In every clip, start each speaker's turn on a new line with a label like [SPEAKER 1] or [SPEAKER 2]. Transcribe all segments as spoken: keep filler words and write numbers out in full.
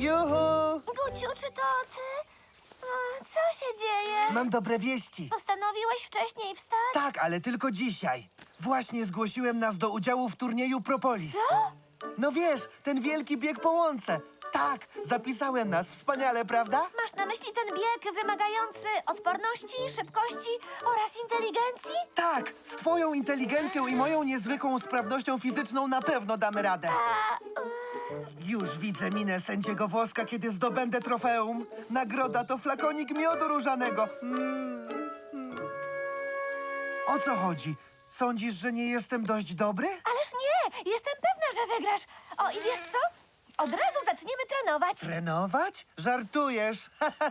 [SPEAKER 1] Juhu!
[SPEAKER 2] Guciu, czy to ty? A, co się dzieje?
[SPEAKER 1] Mam dobre wieści.
[SPEAKER 2] Postanowiłeś wcześniej wstać?
[SPEAKER 1] Tak, ale tylko dzisiaj. Właśnie zgłosiłem nas do udziału w turnieju Propolis.
[SPEAKER 2] Co?
[SPEAKER 1] No wiesz, ten wielki bieg po łące. Tak, zapisałem nas. Wspaniale, prawda?
[SPEAKER 2] Masz na myśli ten bieg wymagający odporności, szybkości oraz inteligencji?
[SPEAKER 1] Tak, z twoją inteligencją i moją niezwykłą sprawnością fizyczną na pewno damy radę.
[SPEAKER 2] A,
[SPEAKER 1] Już widzę minę sędziego Woska, kiedy zdobędę trofeum. Nagroda to flakonik miodu różanego. Mm, mm. O co chodzi? Sądzisz, że nie jestem dość dobry?
[SPEAKER 2] ależ nie! Jestem pewna, że wygrasz. O, i wiesz co? Od razu zaczniemy trenować.
[SPEAKER 1] Trenować? Żartujesz.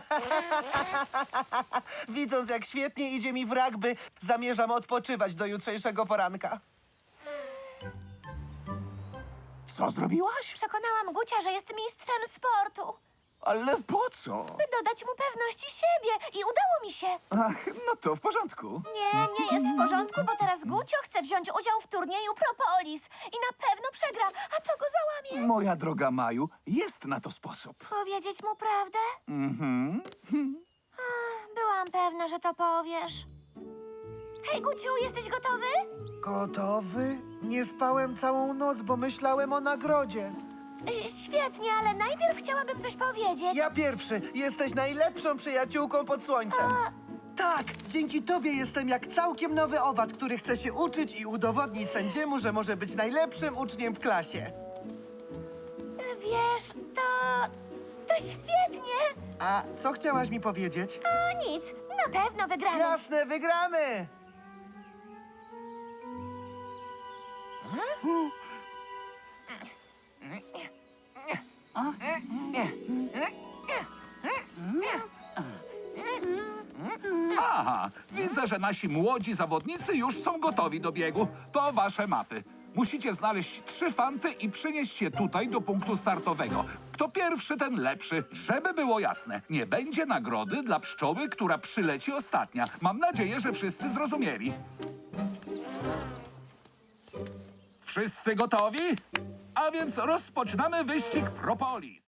[SPEAKER 1] Widząc, jak świetnie idzie mi w rugby, zamierzam odpoczywać do jutrzejszego poranka.
[SPEAKER 3] Co zrobiłaś?
[SPEAKER 2] Przekonałam Gucia, że jest mistrzem sportu.
[SPEAKER 3] Ale po co?
[SPEAKER 2] By dodać mu pewności siebie. I udało mi się.
[SPEAKER 3] Ach, no to w porządku.
[SPEAKER 2] Nie, nie jest w porządku, bo teraz Gucio chce wziąć udział w turnieju Propolis. I na pewno przegra, a to go załamie.
[SPEAKER 3] Moja droga Maju, jest na to sposób.
[SPEAKER 2] Powiedzieć mu prawdę?
[SPEAKER 3] Mhm.
[SPEAKER 2] Ach, byłam pewna, że to powiesz. Hej, Guciu, jesteś gotowy?
[SPEAKER 1] Gotowy? Nie spałem całą noc, bo myślałem o nagrodzie.
[SPEAKER 2] Y, Świetnie, ale najpierw chciałabym coś powiedzieć.
[SPEAKER 1] Ja pierwszy. Jesteś najlepszą przyjaciółką pod słońcem. Tak, dzięki tobie jestem jak całkiem nowy owad, który chce się uczyć i udowodnić sędziemu, że może być najlepszym uczniem w klasie.
[SPEAKER 2] Y, Wiesz, to... to świetnie.
[SPEAKER 1] A co chciałaś mi powiedzieć?
[SPEAKER 2] A nic, na pewno wygramy.
[SPEAKER 1] Jasne, wygramy!
[SPEAKER 4] Aha, widzę, że nasi młodzi zawodnicy już są gotowi do biegu. To wasze mapy. Musicie znaleźć trzy fanty i przynieść je tutaj do punktu startowego. Kto pierwszy, ten lepszy. Żeby było jasne, nie będzie nagrody dla pszczoły, która przyleci ostatnia. Mam nadzieję, że wszyscy zrozumieli. Wszyscy gotowi? A więc rozpoczynamy wyścig Propolis.